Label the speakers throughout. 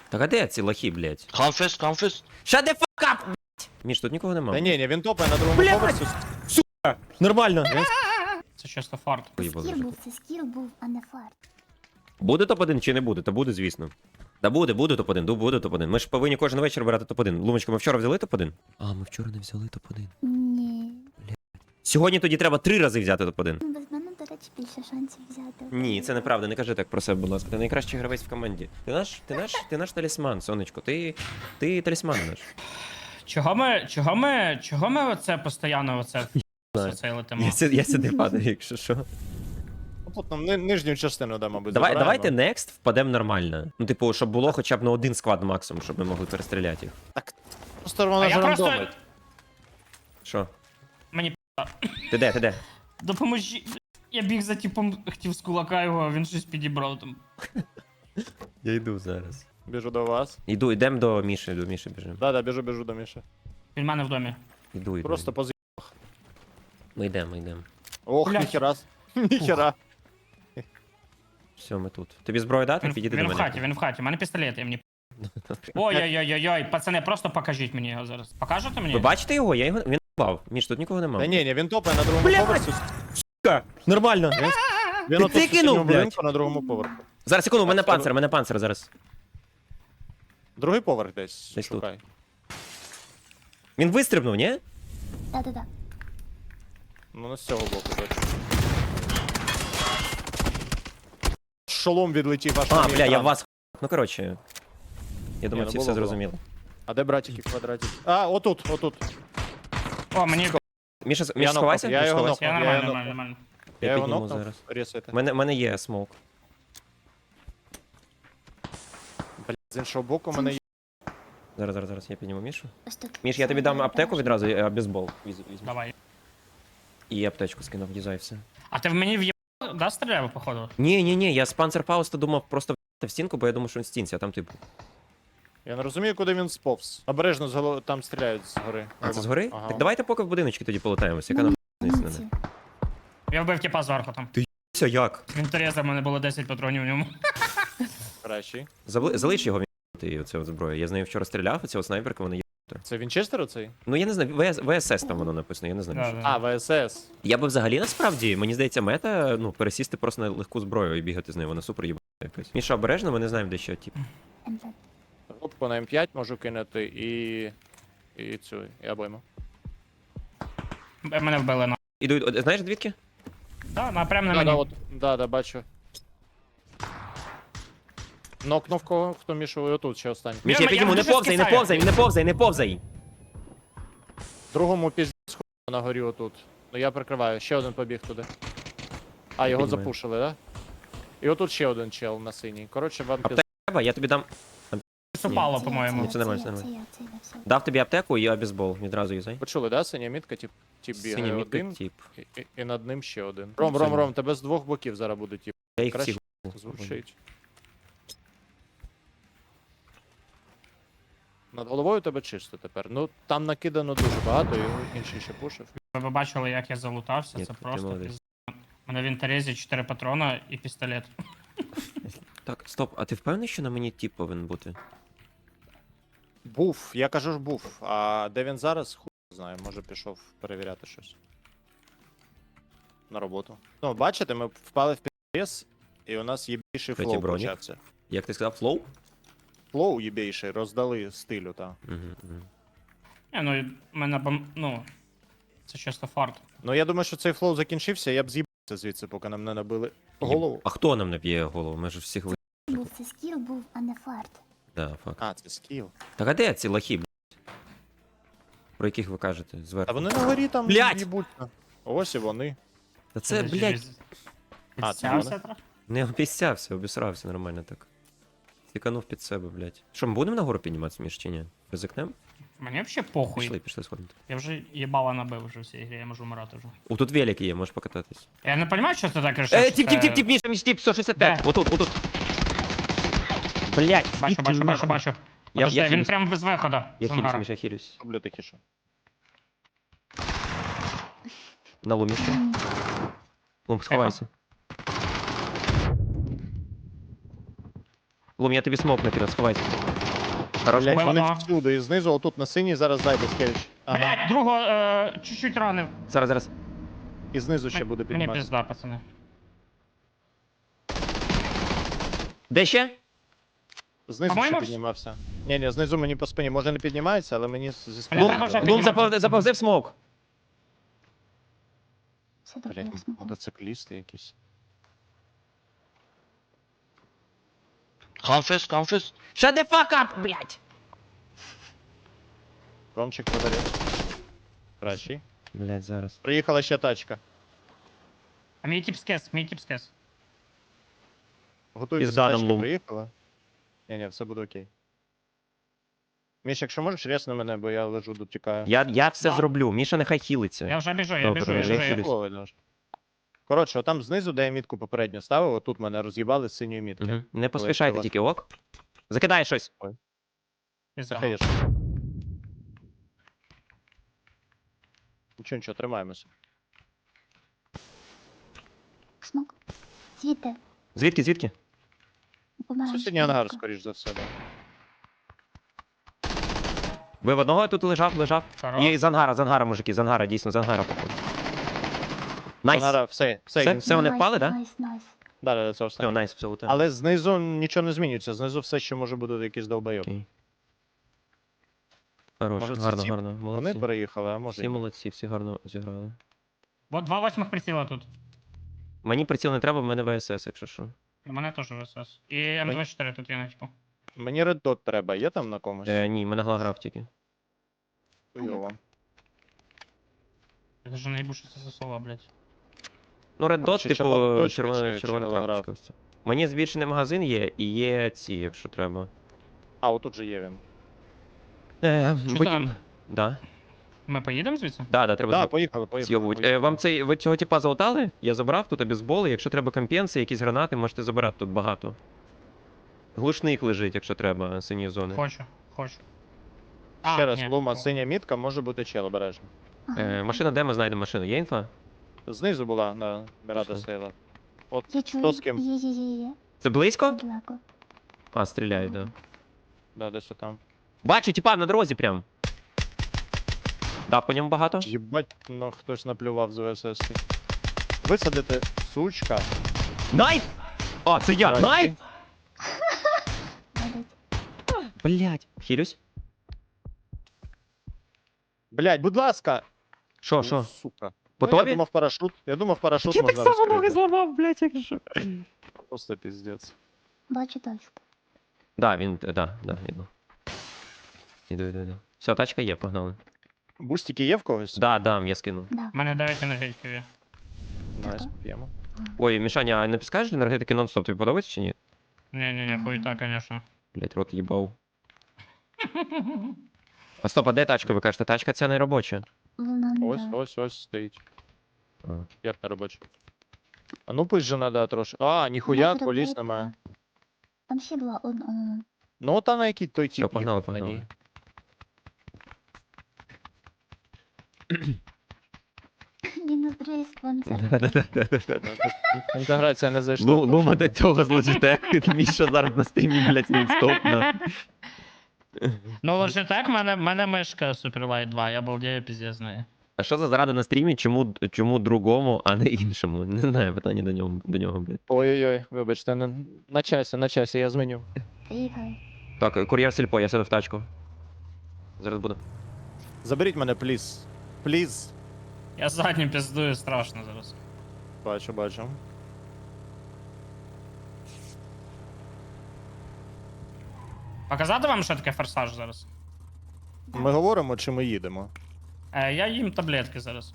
Speaker 1: Так а де ці лохи, блядь?
Speaker 2: Камфест, камфест.
Speaker 1: Shut the fuck up, блядь! Міш, тут нікого нема.
Speaker 3: Та ні, він топає на другому
Speaker 1: Блядь!
Speaker 3: поверсі.
Speaker 1: Нормально.
Speaker 4: Це чисто фарт.
Speaker 1: Поїбали
Speaker 5: Скіл
Speaker 1: вже.
Speaker 5: був, це скіл був, а не фарт.
Speaker 1: Буде топ-1 чи не буде? Та буде, звісно. Та буде топ-1, буде топ-1. Ми ж повинні кожен вечір брати топ-1. Лумочка, ми вчора взяли топ-1? А, ми вчора не взяли топ-1.
Speaker 5: Ні.
Speaker 1: Сьогодні тоді треба 3 рази взяти топ-1.
Speaker 5: Ну, без мене, до речі, більше шансів взяти.
Speaker 1: Ні, це неправда, не кажи так про себе, будь ласка. Ти найкращий гравець в команді. Ти наш талісман, сонечко. Ти талісман наш.
Speaker 4: Чого ми оце постійно оце летимо?
Speaker 1: Я сюди падаю, якщо що.
Speaker 3: Тут нам нижню частину, да, мабуть,
Speaker 1: Давайте next впадемо нормально. Ну, типу, щоб було хоча б на один склад максимум, щоб ми могли перестріляти їх.
Speaker 3: Просто
Speaker 4: А
Speaker 3: вона
Speaker 4: я
Speaker 3: ж
Speaker 4: просто...
Speaker 3: рандомить.
Speaker 1: Що?
Speaker 4: Мені
Speaker 1: Ти де?
Speaker 4: допоможіть. Я біг за типом, хотів з кулака його, а він щось підібрав там.
Speaker 1: Я йду зараз.
Speaker 3: Біжу до вас.
Speaker 1: Йдемо до Міші біжимо.
Speaker 3: Да, біжу до Міші.
Speaker 4: Він в мене в домі.
Speaker 1: Йду.
Speaker 3: Просто пози...
Speaker 1: Ми йдемо.
Speaker 3: Ох,
Speaker 4: Блядь.
Speaker 3: ніхера. Ніхера.
Speaker 1: Все, ми тут. Тобі зброю дати? Підійди до
Speaker 4: Він
Speaker 1: мене.
Speaker 4: в хаті, у мене пістолет, я мені... Ой-ой-ой-ой, пацани, просто покажіть мені його зараз. Покажете мені?
Speaker 1: Ви бачите його? Він бав. Міш, тут нікого нема.
Speaker 3: Та ні, він топає на другому
Speaker 1: Блядь!
Speaker 3: поверсі.
Speaker 1: Нормально.
Speaker 3: Він
Speaker 1: Ти
Speaker 3: отут
Speaker 1: кинув,
Speaker 3: сусіднього
Speaker 1: блядь.
Speaker 3: будинку на другому поверху.
Speaker 1: Зараз, секунду, у мене панцир зараз.
Speaker 3: Другий поверх десь
Speaker 1: Десь тут.
Speaker 3: шукай.
Speaker 1: Він вистрибнув, ні?
Speaker 5: Да-да-да.
Speaker 3: Ну, не з цього боку точно. Шолом відлетів аж на
Speaker 1: А,
Speaker 3: мій
Speaker 1: бля, я
Speaker 3: екран.
Speaker 1: вас. Ну, коротше. Я думаю,
Speaker 3: ну
Speaker 1: всі
Speaker 3: було,
Speaker 1: все
Speaker 3: було.
Speaker 1: зрозуміли.
Speaker 3: А де братики, квадратики? А, отут.
Speaker 4: О, мені...
Speaker 1: Міша,
Speaker 3: Я
Speaker 1: сховайся?
Speaker 3: нокнув, я
Speaker 1: Міш,
Speaker 3: його
Speaker 1: сховайся.
Speaker 4: Я
Speaker 3: нокнув.
Speaker 4: нормально.
Speaker 3: Я його
Speaker 1: підніму
Speaker 3: нокнув.
Speaker 1: зараз.
Speaker 3: Ресайте.
Speaker 1: У мене є смоук.
Speaker 3: Блядь, з іншого боку мене є.
Speaker 1: Зараз, я підніму Мішу.
Speaker 5: Ось тут.
Speaker 1: Міш, я тобі дам аптеку відразу, бейсбол. Візьму.
Speaker 4: Давай.
Speaker 1: І аптечку скинув, дізай все.
Speaker 4: А ти в мені в'єбав, да, стріляв, походу?
Speaker 1: Ні, я з Панцерфауста думав просто в стінку, бо я думав, що він в стінці, а там типу.
Speaker 3: Я не розумію, куди він сповз. Обережно там стріляють згори.
Speaker 1: А це згори?
Speaker 3: Ага.
Speaker 1: Так давайте поки в будиночки тоді полетаємося, яка нам
Speaker 5: Мамці.
Speaker 4: Я вбив типа зверху там.
Speaker 1: все як?
Speaker 4: Він Тереза, в мене було 10 патронів в ньому.
Speaker 3: Кращий.
Speaker 1: Залиш його він оце зброю. Я з нею вчора стріляв, оця снайперка, вона є.
Speaker 3: Це Вінчестер оцей?
Speaker 1: Ну я не знаю, ВСС там воно написано, я не знаю.
Speaker 4: Да,
Speaker 1: що.
Speaker 4: да.
Speaker 3: А, ВСС.
Speaker 1: Я би взагалі насправді, мені здається, мета, ну, пересісти просто на легку зброю і бігати з нею, вона супер їбана якась. Міша, обережно, ми не знаємо, де що, тип.
Speaker 5: МЗ.
Speaker 3: Рубку на М5 можу кинути і цю, і обойму.
Speaker 4: Мене вбили на.
Speaker 1: Іду, знаєш звідки?
Speaker 4: Да, прямо на
Speaker 3: Да,
Speaker 4: мені.
Speaker 3: да, от, да, бачу. Нокнув кого, хто мішав і отут ще останній.
Speaker 1: Міш, я
Speaker 4: Я
Speaker 1: підніму, не
Speaker 4: дуже
Speaker 1: повзай,
Speaker 4: скисаю.
Speaker 1: не повзай.
Speaker 3: Другому пізді на горі отут. Ну я прикриваю, ще один побіг туди. А, його
Speaker 1: піднімаю.
Speaker 3: запушили, да? І отут ще один чел на синій. Коротше, вам
Speaker 1: Аптека треба, я тобі дам.
Speaker 4: Упало, по-моєму.
Speaker 1: Це нормально, це
Speaker 5: Це я, все.
Speaker 1: Дав тобі аптеку і бейсбол, відразу юзай.
Speaker 3: Почули, да? Синя мітка, тип
Speaker 1: Синя
Speaker 3: бігає
Speaker 1: мітка,
Speaker 3: один,
Speaker 1: тип.
Speaker 3: і над ним ще один.
Speaker 1: Синя.
Speaker 3: Ром, тебе з двох боків зараз буде тип.
Speaker 1: Я їх
Speaker 3: Краще
Speaker 1: всіх.
Speaker 3: звучить. Над головою тебе чисто тепер. Ну, там накидано дуже багато, і інший ще пушив.
Speaker 4: Ви б бачили, як я залутався,
Speaker 1: Ні,
Speaker 4: це
Speaker 1: ти
Speaker 4: просто
Speaker 1: молодець.
Speaker 4: пізд... У мене в інтерезі 4 патрона і пістолет.
Speaker 1: Так, стоп, а ти впевнений, що на мені тип повинен бути?
Speaker 3: Був, я кажу ж був. А де він зараз, хуй знає, може пішов перевіряти щось. На роботу. Ну, бачите, ми впали в пі***ес, і у нас єбійший
Speaker 1: Третій
Speaker 3: флоу
Speaker 1: бронік.
Speaker 3: почався.
Speaker 1: Як ти сказав, флоу?
Speaker 3: Флоу єбійший, роздали стилю, та.
Speaker 4: Не, ну, в мене ну, це чисто фарт.
Speaker 3: Ну, я думаю, що цей флоу закінчився, я б з'їбався звідси, поки нам не набили голову.
Speaker 1: А хто нам наб'є голову? Ми ж всіх ви...
Speaker 5: Був, це скіл був, а не фарт.
Speaker 1: Да, факт.
Speaker 3: А, це скіл.
Speaker 1: Так а де ці лохи, блядь? Про яких ви кажете?
Speaker 3: А
Speaker 1: Зверху.
Speaker 3: вони на горі там
Speaker 1: Блядь!
Speaker 3: їбуть. Ось і вони.
Speaker 1: Та це, блядь,
Speaker 3: А, це
Speaker 4: Підстявся
Speaker 3: вони?
Speaker 4: трохи?
Speaker 1: не обіцявся, обісрався нормально так. Тіканув під себе, блядь. Що, ми будемо нагору підніматися, Міш, чи ні? Ризикнем?
Speaker 4: Мені взагалі похуй.
Speaker 1: Пішли сходити.
Speaker 4: Я вже їбала набив вже в цій грі, я можу вмирати вже.
Speaker 1: О, тут велик є, можеш покататись.
Speaker 4: Я не розумію, що ти так кажеш.
Speaker 1: Тіп, Міша, тіп, 165.
Speaker 4: Де?
Speaker 1: Отут. Блядь,
Speaker 4: Бачу.
Speaker 1: Я
Speaker 4: Подожди, він
Speaker 1: хилюсь.
Speaker 4: прямо без виходу.
Speaker 1: Я
Speaker 4: з
Speaker 1: хилюсь,
Speaker 4: ангара.
Speaker 1: Міша, я хилюсь.
Speaker 3: Роблю тихіше.
Speaker 1: На лумі ще. Лум, сховайся. Лум, я тобі смок накину, сховайся. Хорош.
Speaker 3: Блять, вони
Speaker 4: Ага.
Speaker 3: всюди, і знизу, отут на синій зараз зайде скеліч. Ага.
Speaker 4: Блять, другого чуть-чуть ранив.
Speaker 1: Зараз.
Speaker 3: І знизу ще буде
Speaker 4: Мені
Speaker 3: підніматися.
Speaker 4: пізда, пацани.
Speaker 1: Де ще?
Speaker 3: Знизу ще
Speaker 4: По-моєму,
Speaker 3: піднімався. Ні, знизу мені по спині. Може не піднімається, але мені зі спини.
Speaker 4: Лум, треба вже
Speaker 1: Лум
Speaker 4: піднімати.
Speaker 1: заповзив смок.
Speaker 5: Все добре,
Speaker 3: Блять,
Speaker 5: я смогу.
Speaker 3: мотоциклісти якісь.
Speaker 2: Confess, confess.
Speaker 1: Shut the fuck up, блядь!
Speaker 3: Ромчик подарив. Кращий.
Speaker 1: Блядь, зараз.
Speaker 3: Приїхала ще тачка.
Speaker 4: А мій тип скес, мій тип скес.
Speaker 3: Готується
Speaker 1: Пізда нам
Speaker 3: тачка,
Speaker 1: лум.
Speaker 3: приїхала. Ні, все буде окей. Міш, якщо можеш, ресни мене, бо я лежу, дотікаю.
Speaker 1: Я все
Speaker 4: Да.
Speaker 1: зроблю. Міша нехай хілиться.
Speaker 4: Я вже біжу, я
Speaker 1: Добре,
Speaker 4: біжу, я
Speaker 1: я
Speaker 4: біжу.
Speaker 1: хилюсь.
Speaker 3: Фіолетовий нож. Коротше, отам знизу, де я мітку попередньо ставив, отут мене роз'їбали з синьої мітки.
Speaker 1: Угу. Не поспішайте
Speaker 3: Коли-
Speaker 1: тільки, ок? Закидай щось.
Speaker 4: Пізда.
Speaker 3: Захаєш. Нічого, тримаємося.
Speaker 5: Смок. Звідти.
Speaker 1: Звідки?
Speaker 5: Помаранчевий.
Speaker 3: Сусідній ангар, скоріш за все. Да.
Speaker 1: Ви в одного тут лежав?
Speaker 4: Хорош.
Speaker 1: І з ангара, мужики, з ангара, дійсно, з ангара, походу. Найс.
Speaker 3: Ангара, все,
Speaker 1: Все вони впали, да?
Speaker 5: Найс.
Speaker 3: Да, це
Speaker 1: Все,
Speaker 3: останнє.
Speaker 1: найс, все луте.
Speaker 3: Але знизу нічого не змінюється, знизу все ще може бути якийсь долбойоб.
Speaker 1: Окей. Хорош,
Speaker 3: Може, це
Speaker 1: гарно,
Speaker 3: ці-
Speaker 1: гарно.
Speaker 3: Вони
Speaker 1: Молодці.
Speaker 3: переїхали, а може.
Speaker 1: Всі
Speaker 3: і ні.
Speaker 1: молодці, всі гарно зіграли.
Speaker 4: Вот 2 восьмих приціла тут.
Speaker 1: Мені приціл не треба, в мене ВСС, якщо що.
Speaker 4: У мене теж ВСС. І М24 тут є на типу.
Speaker 3: Мені Red Dot треба, є там на комусь?
Speaker 1: Ні, мене глаграф тільки.
Speaker 3: Хуйово.
Speaker 4: Я даже не їбу, що це за слова, блядь.
Speaker 1: Ну, Red Dot,
Speaker 3: Чи
Speaker 1: типу,
Speaker 3: червона
Speaker 1: червона
Speaker 3: голограф?
Speaker 1: крапочка. ось. Мені збільшений магазин є, і є ці, якщо треба.
Speaker 3: А, отут же є він.
Speaker 4: Що там?
Speaker 1: Да.
Speaker 4: Ми поїдемо звідси?
Speaker 1: Да, треба
Speaker 3: Так, поїхали.
Speaker 1: з'йобувати. Вам цей, ви цього типа залутали? Я забрав тут обізболи, якщо треба компенси, якісь гранати, можете забирати тут багато. Глушник лежить, якщо треба, сині зони.
Speaker 4: Хочу.
Speaker 3: Ще раз,
Speaker 4: ні.
Speaker 3: Лума, синя мітка, може бути чел, обережно.
Speaker 1: Машина, де ми знайдемо машину? Є інфа?
Speaker 3: Знизу була, на Мірада
Speaker 1: Що?
Speaker 3: стояла.
Speaker 5: Я чую.
Speaker 3: Хто з ким?
Speaker 5: Є.
Speaker 1: Це близько?
Speaker 5: Далеко.
Speaker 1: А, стріляють, да.
Speaker 3: Да, десь там.
Speaker 1: Бачу, типа на дорозі прям. Да, по ньому багато.
Speaker 3: Єбать, ну хтось наплював з ВСС. Висадити, сучка.
Speaker 1: Найт! О, це я!
Speaker 3: Здрасте.
Speaker 1: Найт!
Speaker 5: Навіть.
Speaker 1: Блять. Хілюсь?
Speaker 3: Блять, будь ласка!
Speaker 1: Що,
Speaker 3: Ну,
Speaker 1: що?
Speaker 3: Сука.
Speaker 1: Готові?
Speaker 3: Ну, я думав парашут
Speaker 1: Я так
Speaker 3: можна
Speaker 1: само ноги
Speaker 3: розкрити.
Speaker 1: зламав, блять, як що.
Speaker 3: Просто піздець.
Speaker 5: Бачу тачку.
Speaker 1: Да, він, да, іду. Іду. Все, тачка є, погнали.
Speaker 3: Бустики є в когось?
Speaker 1: Да, я скинув.
Speaker 5: Да.
Speaker 4: У мене 9 енергетиків є.
Speaker 3: Найс, п'ємо.
Speaker 1: Ой, Мішаня, а не підскажеш енергетики нон-стоп, тобі подобається чи ні?
Speaker 4: Ні, хуйта, конечно.
Speaker 1: Блять, рот їбав. А стоп, а де тачка? Ви кажете, тачка ця не робоча.
Speaker 5: Вона не да.
Speaker 3: Ось стоїть.
Speaker 1: А.
Speaker 3: Як не робочий. А ну пусть же надо трошки. А, ніхуя,
Speaker 5: Може
Speaker 3: коліс
Speaker 5: робити.
Speaker 3: немає.
Speaker 5: Там ще була одна.
Speaker 3: Ну та на який той тип.
Speaker 1: Все, погнали,
Speaker 3: їхав на
Speaker 1: погнали.
Speaker 3: ній.
Speaker 5: Мінус другий спонсор.
Speaker 3: Інтеграція не зайшла.
Speaker 1: Лума до цього злочите. Міша зараз на стрімі, блять, нон-стоп.
Speaker 4: Ну, Logitech, мене мишка Superlight 2, я балдею піздець з неї.
Speaker 1: А що за зрада на стрімі? Чому другому, а не іншому? Не знаю, питання до нього, блядь.
Speaker 3: Ой-ой-ой, вибачте, на часі, я зміню.
Speaker 5: Приїхали.
Speaker 1: Так, кур'єр сільпо, я сяду в тачку. Зараз буду.
Speaker 3: Заберіть мене, пліз. Пліз.
Speaker 4: Я заднім піздую страшно зараз.
Speaker 3: Бачу.
Speaker 4: Показати вам, що таке форсаж зараз?
Speaker 3: Ми говоримо, чи ми їдемо?
Speaker 4: Я їм таблетки зараз.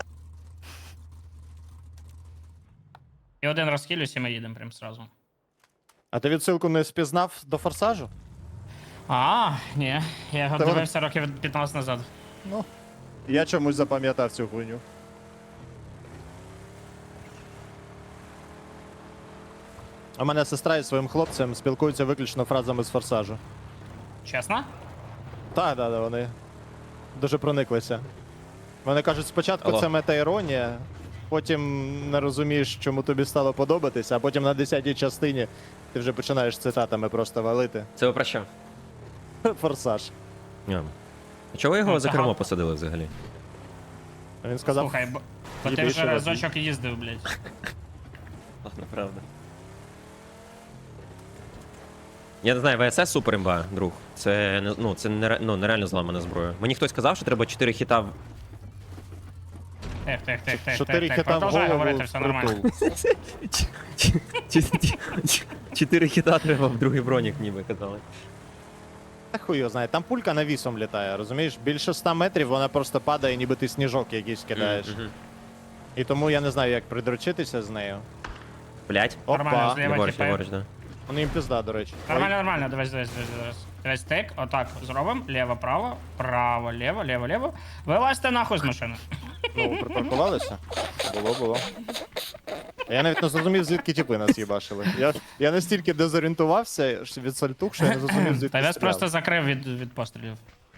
Speaker 4: І один розхилюсь, і ми їдемо прям сразу.
Speaker 3: А ти відсилку не спізнав до форсажу?
Speaker 4: Ні, я його
Speaker 3: Та
Speaker 4: дивився років 15 назад.
Speaker 3: Ну. Я чомусь запам'ятав цю хуйню. У мене сестра із своїм хлопцем спілкуються виключно фразами з форсажу.
Speaker 4: Чесно?
Speaker 3: Так, вони дуже прониклися. Вони кажуть, спочатку
Speaker 1: Алло.
Speaker 3: це мета-іронія, потім не розумієш, чому тобі стало подобатися, а потім на 10-й частині ти вже починаєш цитатами просто валити.
Speaker 1: Це ви про що?
Speaker 3: Форсаж.
Speaker 1: А. А чого ви його
Speaker 4: Ну,
Speaker 1: за
Speaker 4: це
Speaker 1: кермо
Speaker 4: гал-
Speaker 1: посадили взагалі?
Speaker 3: Він сказав,
Speaker 4: Слухай, бо
Speaker 3: їй
Speaker 4: ти
Speaker 3: більше
Speaker 4: вже
Speaker 3: води.
Speaker 4: разочок їздив, блядь.
Speaker 1: Ладно, правда. Я не знаю, ВСС супер імба, друг. Це, ну, це нереально зламана зброя. Мені хтось сказав, що треба 4 хіта в...
Speaker 4: Тих.
Speaker 3: 4 хіта в
Speaker 4: Продовжай говорити,
Speaker 3: голову
Speaker 4: все нормально.
Speaker 3: впритул.
Speaker 1: 4 хіта треба в другий бронік, ніби казали.
Speaker 3: Та хуй його знає, там пулька навісом літає, розумієш? Більше 100 метрів вона просто падає, ніби ти сніжок якийсь кидаєш.
Speaker 1: Мгм.
Speaker 3: І тому я не знаю, як придручитися з нею.
Speaker 1: Блять.
Speaker 4: Нормально,
Speaker 3: Опа,
Speaker 4: зліва
Speaker 1: Ліворуч,
Speaker 4: тіпи.
Speaker 1: ліворуч, да.
Speaker 3: вони їм пізда, до речі. Ой,
Speaker 4: Нормально, дивись. Дивись тик, отак зробимо, ліво, право, право, ліво. Вилазьте нахуй з машини.
Speaker 3: ну, припаркувалися? Було. Я навіть не зрозумів, звідки тіпи нас їбашили. Я настільки дезорієнтувався від сальтух, що я не зрозумів, звідки
Speaker 4: Та вес
Speaker 3: стріляли.
Speaker 4: просто закрив від пострілів.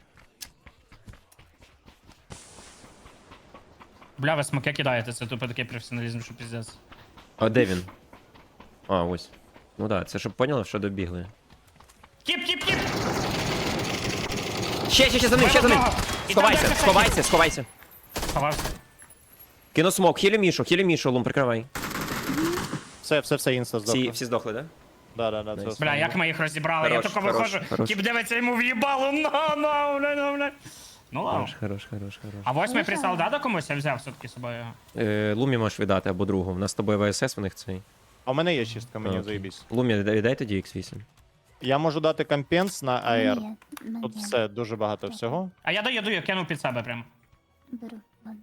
Speaker 4: Бля, ви смоки кидаєте, це тупо такий професіоналізм, що піздець.
Speaker 1: А де він? А, ось. Ну да, це щоб поняли, що добігли.
Speaker 4: Кіп!
Speaker 1: Ще за ним!
Speaker 4: І
Speaker 1: Сховайся,
Speaker 4: там
Speaker 1: сховайся.
Speaker 4: Сховався.
Speaker 1: Кину смок, хілі Мішу, Лум, прикривай.
Speaker 3: Все, інста здохло.
Speaker 1: Всі здохли, да?
Speaker 3: Да, це
Speaker 1: Найс.
Speaker 3: останнє.
Speaker 4: Бля, як ми їх розібрали, я
Speaker 1: Хорош,
Speaker 4: тільки
Speaker 1: хорош,
Speaker 4: виходжу,
Speaker 1: хорош.
Speaker 4: тіп дивиться йому в'їбало, бля. Ну ладно.
Speaker 1: Хорош.
Speaker 4: А восьмий
Speaker 5: Хорошо.
Speaker 4: присал, да, до комусь я взяв все-таки з собою?
Speaker 1: Лумі можеш віддати або другу. У нас з тобою ВСС, в них цей.
Speaker 3: А у мене є чистка, мені
Speaker 1: Окей.
Speaker 3: заєбісь.
Speaker 1: Лумі, віддай тоді X8.
Speaker 3: Я можу дати компенс на АР.
Speaker 5: Ні, ну,
Speaker 3: Тут
Speaker 5: ні.
Speaker 3: все, дуже багато всього.
Speaker 4: А я даю, я кину під себе прям.
Speaker 5: Беру, ладно.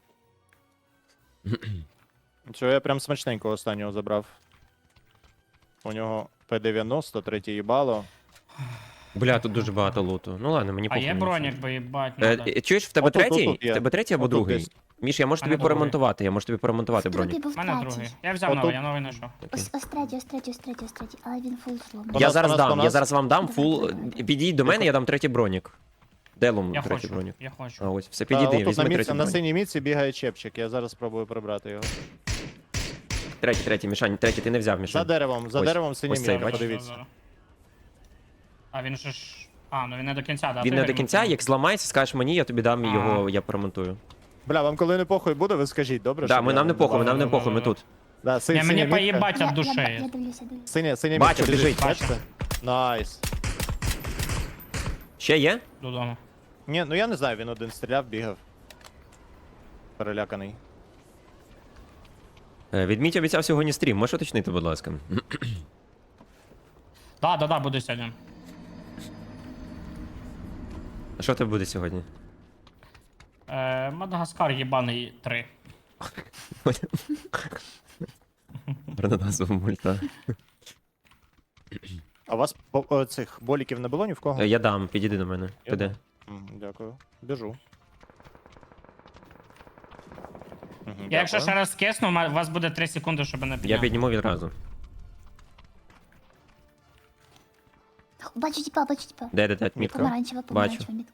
Speaker 3: Цього я прям смачненько останнього забрав. У нього П-90, третє їбало.
Speaker 1: Бля, тут дуже багато луту. Ну ладно, мені
Speaker 4: А
Speaker 1: похуй.
Speaker 4: є
Speaker 1: мені
Speaker 4: бронік,
Speaker 1: все.
Speaker 4: бо їбать надо.
Speaker 1: Чуєш, в тебе
Speaker 3: Отут,
Speaker 1: третій?
Speaker 3: отут є.
Speaker 1: В тебе третій або
Speaker 3: Отут
Speaker 1: другий?
Speaker 3: десь.
Speaker 1: Міш, я можу
Speaker 4: Мене
Speaker 1: тобі
Speaker 4: другий.
Speaker 1: поремонтувати, я можу тобі поремонтувати
Speaker 5: В трупі
Speaker 1: бронік.
Speaker 5: був
Speaker 4: У мене
Speaker 5: третій.
Speaker 4: другий. Я взяв
Speaker 3: Отут.
Speaker 4: новий, я новий знайшов.
Speaker 5: Ось третій, але він фул слом.
Speaker 3: По
Speaker 1: Я
Speaker 3: нас,
Speaker 1: зараз
Speaker 3: по нас,
Speaker 1: дам,
Speaker 3: по
Speaker 1: я
Speaker 3: нас.
Speaker 1: зараз вам дам фул. Підійдь до мене, я дам третій бронік. Де Лум
Speaker 4: Я
Speaker 1: третій
Speaker 4: хочу,
Speaker 1: бронік?
Speaker 4: я
Speaker 1: А
Speaker 4: хочу.
Speaker 1: ось, все,
Speaker 3: Та,
Speaker 1: підійди,
Speaker 3: отут
Speaker 1: візьми
Speaker 3: на,
Speaker 1: третій
Speaker 3: на
Speaker 1: бронік.
Speaker 3: синій міці бігає чепчик, я зараз спробую прибрати його.
Speaker 1: Третій, Мішань, третій, ти не взяв,
Speaker 3: За
Speaker 1: Мішань.
Speaker 3: деревом,
Speaker 1: Ось
Speaker 3: синій
Speaker 1: цей,
Speaker 3: міці,
Speaker 1: бачиш?
Speaker 3: подивіться.
Speaker 4: А він же ж... А, ну він не до кінця, да?
Speaker 1: Він
Speaker 4: ти
Speaker 1: не до
Speaker 4: йому
Speaker 1: кінця,
Speaker 4: кинув?
Speaker 1: як зламається, скажеш мені, я тобі дам
Speaker 4: А.
Speaker 1: його, я поремонтую.
Speaker 3: Бля, вам коли не похуй буде, ви скажіть, добре?
Speaker 1: Да,
Speaker 3: щоб
Speaker 1: ми
Speaker 3: я
Speaker 1: нам не похуй,
Speaker 3: давав?
Speaker 1: нам не похуй, ми тут.
Speaker 3: Да,
Speaker 4: Не,
Speaker 3: синя
Speaker 4: мені
Speaker 3: мітка.
Speaker 4: поїбать
Speaker 5: Я
Speaker 4: від душі.
Speaker 5: дивлюся.
Speaker 3: Синя
Speaker 1: Бачу,
Speaker 3: мітка
Speaker 1: біжить.
Speaker 3: бачите? Найс.
Speaker 1: Ще є?
Speaker 4: Додому.
Speaker 3: Ні, ну я не знаю, він один стріляв, бігав. Переляканий.
Speaker 1: Відміть обіцяв сьогодні стрім, можеш уточнити, будь ласка.
Speaker 4: Да, буду сьогодні.
Speaker 1: А що в тебе буде сьогодні?
Speaker 4: Мадагаскар єбаний 3.
Speaker 1: Гарна назва мульта.
Speaker 3: А у вас цих боліків не було ні в кого?
Speaker 1: Я дам, підійди до мене.
Speaker 3: Я
Speaker 1: Ти де?
Speaker 3: дам. Дякую. Біжу. Мгм,
Speaker 4: Я якщо
Speaker 3: дякую.
Speaker 4: ще раз кисну, у вас буде 3 секунди, щоб не
Speaker 1: Я
Speaker 4: підняв.
Speaker 1: підніму відразу.
Speaker 5: Бачу типа,
Speaker 1: Де, мітка?
Speaker 5: Помаранчева, мітка.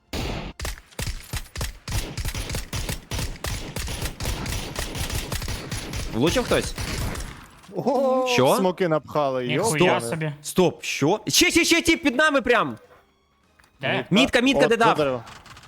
Speaker 1: Влучив хтось?
Speaker 3: О,
Speaker 1: Що?
Speaker 3: Смоки напхали,
Speaker 4: Ніхуя
Speaker 3: йопане.
Speaker 4: собі.
Speaker 1: Стоп, що? Ще, тіп під нами прям!
Speaker 4: Де?
Speaker 1: Мітка,
Speaker 3: От,
Speaker 1: де
Speaker 3: за
Speaker 1: дав?
Speaker 3: дерево.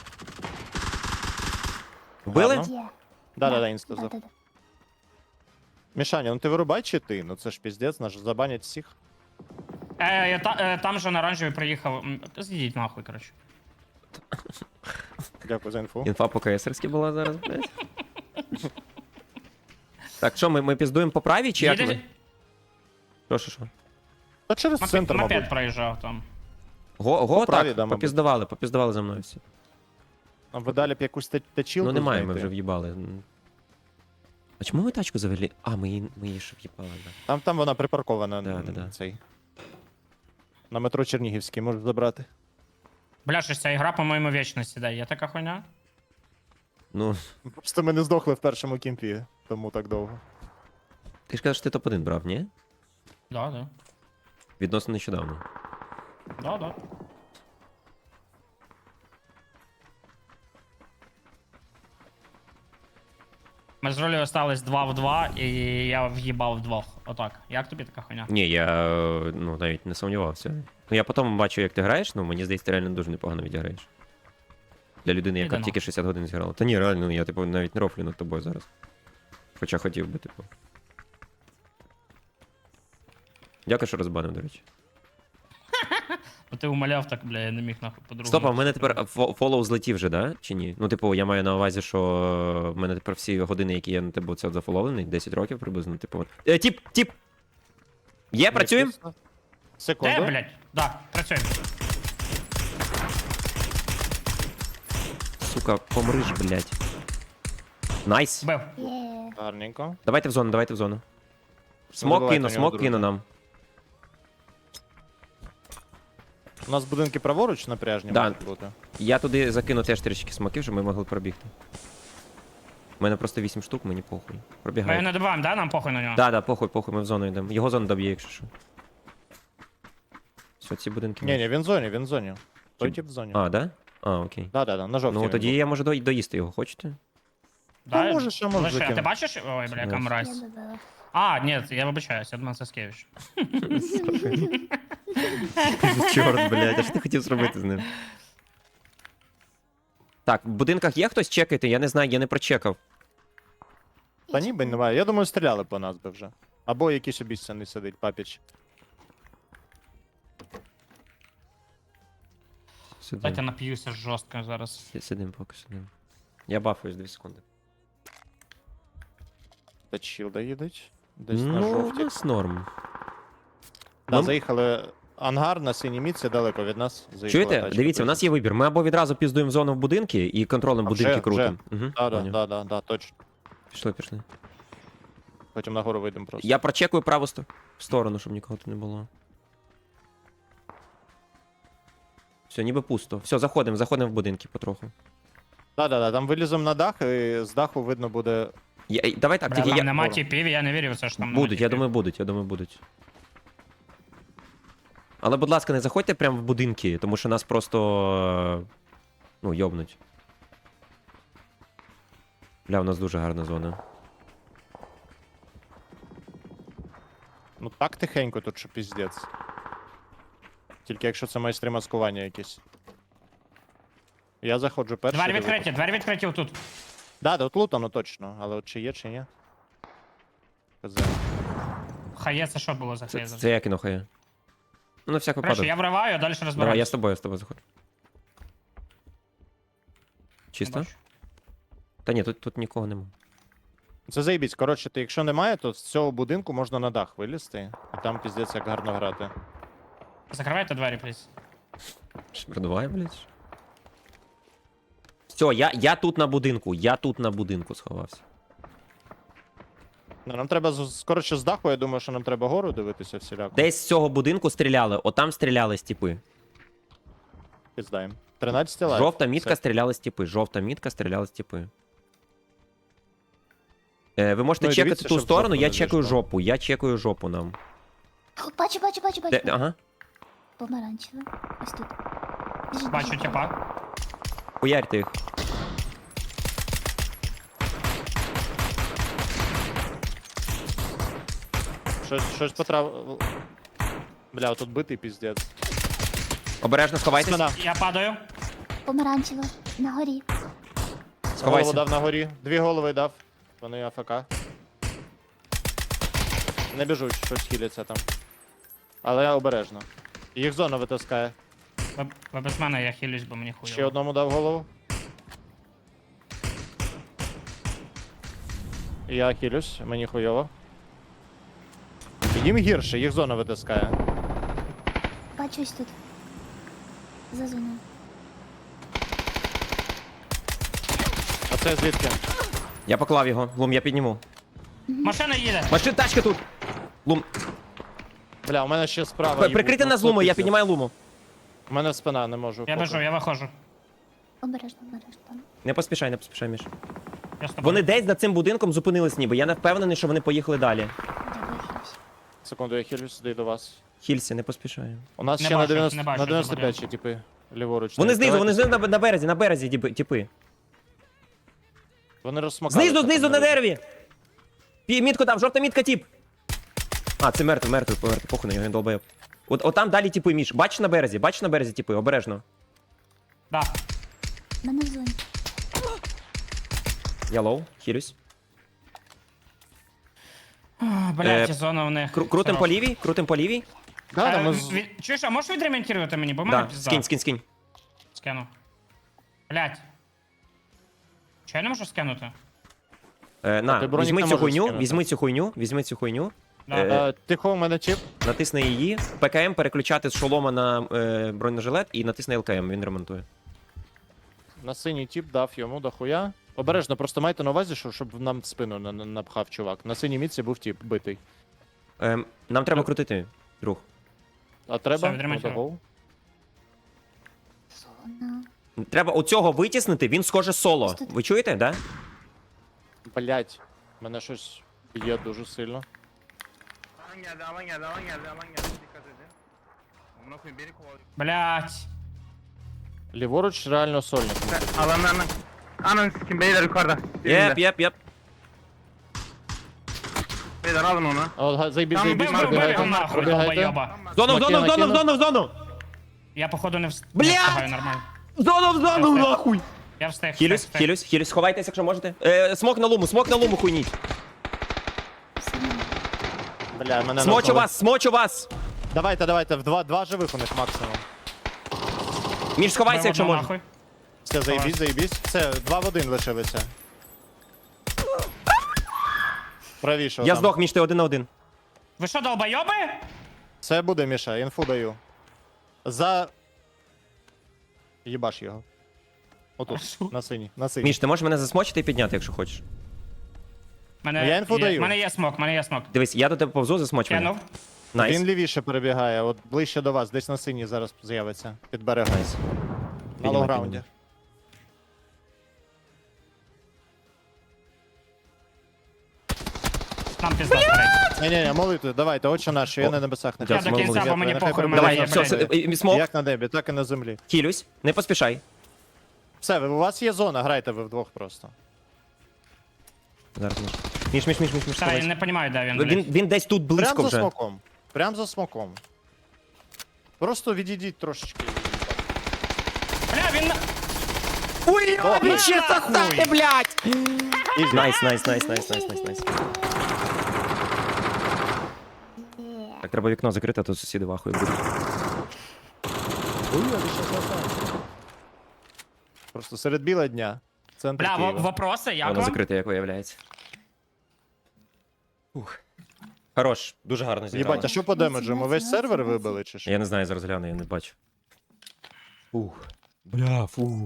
Speaker 1: Вбили?
Speaker 3: Ладно.
Speaker 5: Є.
Speaker 3: Да, інста.
Speaker 5: Да.
Speaker 3: Мішаня, ну ти вирубай чи ти? Ну це ж піздець, наш забанять всіх.
Speaker 4: Там же на оранжевий приїхав. З'їдіть нахуй, коротше.
Speaker 3: Дякую за інфу.
Speaker 1: Інфа по КСРськи була зараз, блядь. Так, що, ми піздуємо по правій чи як ми? Що?
Speaker 3: Та через центр,
Speaker 4: Мопед
Speaker 3: мабуть.
Speaker 4: проїжджав там.
Speaker 1: Го,
Speaker 3: правій,
Speaker 1: так,
Speaker 3: да, мабуть.
Speaker 1: попіздували за мною всі.
Speaker 3: А ви далі б якусь течілку
Speaker 1: Ну немає, ми
Speaker 3: знайти?
Speaker 1: вже в'їбали. А чому ми тачку завели? А, ми її ж в'їбали, да.
Speaker 3: Там вона припаркована.
Speaker 1: Да.
Speaker 3: Цей. На метро Чернігівський можеш забрати.
Speaker 4: Бля, щось ця ігра, по-моєму, вічно сідає. Є така хуйня?
Speaker 1: Ну,
Speaker 3: Просто ми не здохли в першому кімпі, тому так довго.
Speaker 1: ти ж кажеш, що ти топ-1 брав, ні?
Speaker 4: Да.
Speaker 1: Відносно нещодавно.
Speaker 4: Да. Ми з ролі остались 2 в 2, і я в'їбав вдвох. Отак. Як тобі така хуйня?
Speaker 1: Ні, я навіть не сумнівався. Ну я потім бачу, як ти граєш, ну мені здається, ти реально дуже непогано відіграєш. Для людини, яка
Speaker 4: Ідемо.
Speaker 1: тільки 60 годин зіграла. Та ні, реально, ну, я типу навіть не рофлю над тобою зараз. Хоча хотів би, типу. Дякую, що розбанив, до речі.
Speaker 4: Бо ти умоляв так, бля, я не міг нахуй по-другому.
Speaker 1: Стоп, а в мене тепер фоллоу злетів вже, да? Чи ні? Ну, типу, я маю на увазі, що в мене тепер всі години, які я на тебе це зафоловлений, 10 років приблизно, типу. От. Тіп! Є, працюємо?
Speaker 4: Де,
Speaker 3: Секунду.
Speaker 4: блядь? Да, працюємо.
Speaker 1: Сука, помриш, блядь. Найс.
Speaker 4: Бив.
Speaker 5: Є.
Speaker 3: Гарненько.
Speaker 1: Давайте в зону, давайте в зону. Смок
Speaker 3: забувайте,
Speaker 1: кину,
Speaker 3: у нього
Speaker 1: смок
Speaker 3: друзі.
Speaker 1: кину нам.
Speaker 3: У нас будинки праворуч напряжні
Speaker 1: Да.
Speaker 3: можуть бути.
Speaker 1: Я туди закину теж трішки смоків, щоб ми могли пробігти. У мене просто 8 штук, мені похуй.
Speaker 4: Ми його
Speaker 1: Пробігай.
Speaker 4: не добиваємо, да? Нам похуй на нього?
Speaker 1: Да, похуй, ми в зону йдемо. Його зона доб'є, якщо що. Все, ці будинки.
Speaker 3: Ні, він в зоні. Той
Speaker 1: Чи-
Speaker 3: тип в зоні.
Speaker 1: А, да? А, окей.
Speaker 3: Да, на жовтій.
Speaker 1: Ну
Speaker 3: він
Speaker 1: тоді
Speaker 3: був.
Speaker 1: я можу доїсти його, хочете?
Speaker 4: Да,
Speaker 3: Ну, можеш, а можеш
Speaker 4: лише, а ти
Speaker 3: закинути.
Speaker 4: бачиш? Ой, бля, яка
Speaker 1: Ось.
Speaker 5: Я
Speaker 4: мразь.
Speaker 5: добила.
Speaker 4: А, ні, я вибачаюсь, Едман Саскевич.
Speaker 1: Чорт, блядь, а що ти хотів зробити з ним? Так, в будинках є хтось чекайте, я не знаю, я не прочекав.
Speaker 3: Та ніби немає. Я думаю, стріляли по нас би вже. Або якийсь обіцяний сидить, папіч.
Speaker 1: Сидим.
Speaker 4: Дайте нап'юся жорстко зараз.
Speaker 1: Сидим, поки сидим. Я бафуюсь 2 секунди.
Speaker 3: Та чілда їдуть. Десь на
Speaker 1: Ну, у
Speaker 3: жовтій.
Speaker 1: нас норм.
Speaker 3: Да,
Speaker 1: Нам-
Speaker 3: заїхали. Ангар на синій мітці далеко від нас. Заїхала
Speaker 1: Чуєте?
Speaker 3: тачка.
Speaker 1: Дивіться, у нас є вибір. Ми або відразу піздуємо в зону в будинки і контролем
Speaker 3: А
Speaker 1: будинки
Speaker 3: вже,
Speaker 1: крутимо. Угу,
Speaker 3: Да, точно.
Speaker 1: Пішли.
Speaker 3: Потім нагору вийдемо просто.
Speaker 1: Я прочекую праву сторону, щоб нікого тут не було. Все, ніби пусто. Все, заходимо в будинки потроху.
Speaker 3: Да, там виліземо на дах, і з даху видно буде.
Speaker 1: Давай так,
Speaker 4: Бля,
Speaker 1: тільки
Speaker 4: там
Speaker 1: я...
Speaker 4: нема тіпів, я не вірю в це, що там нема
Speaker 1: Будуть, я
Speaker 4: тіпів.
Speaker 1: думаю, будуть. Але, будь ласка, не заходьте прямо в будинки, тому що нас просто. Ну, йобнуть. Бля, у нас дуже гарна зона.
Speaker 3: Ну так тихенько тут, що піздець. Тільки якщо це майстри маскування якісь. Я заходжу перший.
Speaker 4: Двері відкриті отут.
Speaker 3: Да, от лутано точно, але от чи є, чи ні. Хз.
Speaker 4: Хає, це що було за
Speaker 1: Це
Speaker 4: хейзер?
Speaker 1: я кіно хає. Ну, на всяк
Speaker 4: Короче,
Speaker 1: випадок.
Speaker 4: я вриваю, а далі
Speaker 1: Давай,
Speaker 4: розбираюсь.
Speaker 1: я з тобою заходжу. Чисто?
Speaker 4: Не бачу.
Speaker 1: Та ні, тут нікого нема.
Speaker 3: Це заїбісь. Коротше, ти якщо немає, то з цього будинку можна на дах вилізти. І там піздець як гарно грати.
Speaker 4: Закривайте двері, пліз.
Speaker 1: Продуває, блядь. Все, я тут на будинку сховався.
Speaker 3: Ну, нам треба коротше з даху, я думаю, що нам треба гору дивитися всіляко.
Speaker 1: Десь з цього будинку стріляли, отам стріляли стіпи.
Speaker 3: Піздаємо. 13 лайк.
Speaker 1: Жовта мітка
Speaker 3: Все.
Speaker 1: стріляли стіпи. Ви можете
Speaker 3: Ну і
Speaker 1: чекати
Speaker 3: дивіться,
Speaker 1: ту
Speaker 3: щоб
Speaker 1: сторону,
Speaker 3: жопу не
Speaker 1: я чекаю жопу нам.
Speaker 5: О, бачу.
Speaker 1: Ага.
Speaker 5: Помаранчеве. Ось тут. Біжить,
Speaker 4: Бачу
Speaker 5: біжить.
Speaker 4: тіпа.
Speaker 1: Хуярьте їх.
Speaker 3: Щось потрав. Бля, тут битий піздець.
Speaker 1: Обережно сховайтесь.
Speaker 3: Спина.
Speaker 4: Я падаю.
Speaker 5: Помаранчеве. На горі.
Speaker 3: Голову
Speaker 1: Сховайся.
Speaker 3: дав на горі. 2 голови дав. Вони АФК. Не біжуть, щось хіляться там. Але я обережно. Їх зона витискає.
Speaker 4: Ви без мене, я хилюсь, бо мені
Speaker 3: Ще
Speaker 4: хуйово.
Speaker 3: одному дав голову. І я хилюсь, мені хуйово. Їм гірше, їх зона витискає.
Speaker 5: Бачу ось тут. За зоною.
Speaker 3: А це звідки?
Speaker 1: Я поклав його. Лум, я підніму.
Speaker 4: Машина їде.
Speaker 1: Машин, тачка тут. Лум.
Speaker 3: Бля, у мене ще справа.
Speaker 1: Прикрити нас луму, я піднімаю луму.
Speaker 3: У мене спина, не можу.
Speaker 4: Я
Speaker 3: поки.
Speaker 4: біжу, я виходжу.
Speaker 5: Обережно там.
Speaker 1: Не поспішай, Міш.
Speaker 4: Я з тобою.
Speaker 1: Вони десь за цим будинком зупинились ніби. Я не впевнений, що вони поїхали далі.
Speaker 5: Дякую, хілюсь.
Speaker 3: Секунду, я хилюсь, сюди до вас.
Speaker 1: Хілься, не поспішаю.
Speaker 3: У нас
Speaker 4: Не
Speaker 3: ще
Speaker 4: бачу,
Speaker 3: на 90,
Speaker 4: не бачу,
Speaker 3: на
Speaker 4: що
Speaker 3: 95 ще типи. Ліворуч.
Speaker 1: Вони
Speaker 3: стоять.
Speaker 1: знизу на березі, типи.
Speaker 3: Вони розсмокали.
Speaker 1: Знизу на дереві! Мітку дав, жовта мітка, тип! А, це мертвий, похуй на його, він долбоєб. От там далі типи, Міш. Бачиш на березі типи, обережно.
Speaker 4: Да.
Speaker 5: Мене в зоні.
Speaker 1: Я лоу, хілюсь.
Speaker 4: Блять, зона в них.
Speaker 1: Крутим по лівій, крутим по лівій.
Speaker 3: Да, да, ми з-
Speaker 4: Чуєш, а можеш відремонтувати мені, бо в мене
Speaker 1: Да,
Speaker 4: пізда.
Speaker 1: скинь.
Speaker 4: Скину. Блять. Чого я не можу скинути?
Speaker 1: На,
Speaker 3: ти бронік
Speaker 1: візьми
Speaker 3: не
Speaker 1: цю
Speaker 3: можеш
Speaker 1: хуйню,
Speaker 3: скинути.
Speaker 1: візьми цю хуйню.
Speaker 4: Да.
Speaker 3: Тихо, у мене чіп.
Speaker 1: Натисни її, ПКМ переключати з шолома на бронежилет і натисни ЛКМ, він ремонтує.
Speaker 3: На синій тіп дав йому дохуя. Обережно, просто майте на увазі, щоб нам в спину напхав чувак. На синій мітці був тіп битий.
Speaker 1: Нам треба крутити, друг.
Speaker 3: А треба?
Speaker 4: Все, відремонтував.
Speaker 3: Отого.
Speaker 5: Зона.
Speaker 1: Треба оцього витіснити, він схоже соло. Ви чуєте, да?
Speaker 3: Блять, мене щось б'є дуже сильно.
Speaker 2: Alan geldi. Dikkat edin. Amına koyayım beni kovalıyor.
Speaker 4: Блять.
Speaker 3: Ліворуч реально сольник.
Speaker 2: Alanlarını... Ananı sikim beyler yukarıda.
Speaker 1: Єп.
Speaker 2: Beyler alın onu.
Speaker 3: Заїбіть,
Speaker 4: Там
Speaker 3: заїбіть,
Speaker 4: бив його
Speaker 3: пробігайте.
Speaker 4: нахуй,
Speaker 3: Пробігайте.
Speaker 4: долбойоба.
Speaker 1: В зону!
Speaker 4: Я походу не встигаю
Speaker 1: Блядь!
Speaker 4: встигаю нормально.
Speaker 1: В зону, нахуй!
Speaker 4: Я встиг.
Speaker 1: Хілюсь, сховайтесь, якщо можете. Смок на луму, хуйніть.
Speaker 3: Бля, мене
Speaker 1: Смочу вас!
Speaker 3: Давайте, в два живих у них максимум.
Speaker 1: Між сховайся, якщо можеш.
Speaker 4: Нахуй.
Speaker 3: Все, заїбіть. Все, 2 в 1 лишилися. Правіше.
Speaker 1: Я
Speaker 3: отам.
Speaker 1: здох, Міш, ти 1 на 1.
Speaker 4: Ви що, долбойоби?
Speaker 3: Це буде, Міша, інфу даю. За... Їбаш його. Отут, на синій.
Speaker 1: Міш, ти можеш мене засмочити і підняти, якщо хочеш.
Speaker 3: Я інфу даю.
Speaker 4: Мене є смок.
Speaker 1: Дивись, я до тебе повзу, засмоч мене.
Speaker 4: Кинув.
Speaker 1: Найс.
Speaker 3: Він лівіше перебігає, от ближче до вас, десь на синій зараз з'явиться. Під берегом.
Speaker 1: Найс.
Speaker 3: На лоу-граунді.
Speaker 4: Нам пізда стрейт.
Speaker 3: Ні, молитви, давайте, отче наш, що я на небесах не
Speaker 4: Я
Speaker 1: Дякую,
Speaker 4: до кінця,
Speaker 1: молодець.
Speaker 4: бо мені
Speaker 3: Нехай
Speaker 4: похуй,
Speaker 3: перебуває
Speaker 4: мене
Speaker 1: Давай,
Speaker 4: є,
Speaker 1: все,
Speaker 4: блядь.
Speaker 1: все, смок.
Speaker 3: Як на небі, так і на землі.
Speaker 1: Хілюсь, не поспішай.
Speaker 3: Все, у вас є зона, грайте ви вдвох просто.
Speaker 1: Зараз, Міш. Міш,
Speaker 4: Та, я
Speaker 1: сховайся.
Speaker 4: не розумію, де він, блядь.
Speaker 1: Він десь тут близько
Speaker 3: Прям за
Speaker 1: вже.
Speaker 3: смоком. Прям за смоком. Просто відійдіть трошечки.
Speaker 4: Бля, він...
Speaker 1: Ой,
Speaker 3: Добре.
Speaker 1: ще
Speaker 4: нахуй!
Speaker 1: блядь!
Speaker 3: Ізі.
Speaker 1: Найс. Так, треба вікно закрити, а то сусіди вахою будуть.
Speaker 3: Ой, а ви що за. Просто серед біла дня. Центр
Speaker 4: Бля,
Speaker 3: Києва.
Speaker 4: вопроси, як
Speaker 1: Воно
Speaker 4: вам?
Speaker 1: закрите, як виявляється. Ух. Хорош, дуже гарно зіграли.
Speaker 3: Єбать, а що по демеджу? Ми весь сервер вибили чи що?
Speaker 1: Я не знаю, зараз гляну, я не бачу. Ух. Бля, фу.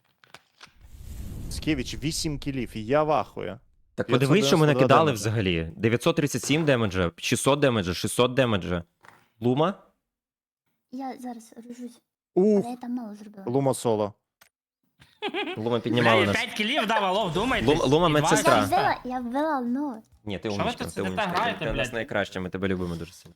Speaker 3: Скевіч 8 кілів, і я вахую.
Speaker 1: Так
Speaker 3: 592
Speaker 1: подивись, що ми накидали
Speaker 3: демеджа.
Speaker 1: взагалі. 937 демеджа, 600 демеджа, 600 демеджа. Лума?
Speaker 5: Я зараз рожусь.
Speaker 3: Ух,
Speaker 5: Але я там мало зробила.
Speaker 3: Лума соло.
Speaker 1: Лума
Speaker 4: Бля,
Speaker 1: піднімала
Speaker 4: я
Speaker 1: нас.
Speaker 4: 5 кілів дав, алло, вдумайтесь.
Speaker 1: Лума
Speaker 4: І два
Speaker 1: медсестра.
Speaker 5: Я
Speaker 4: асиста.
Speaker 5: ввела, ну.
Speaker 1: Ні, ти
Speaker 4: Що ви
Speaker 1: умничка,
Speaker 4: тут
Speaker 1: ти
Speaker 4: сидите,
Speaker 1: умничка.
Speaker 4: граєте,
Speaker 1: Ти у нас
Speaker 4: блядь?
Speaker 1: найкраща, ми тебе любимо дуже сильно.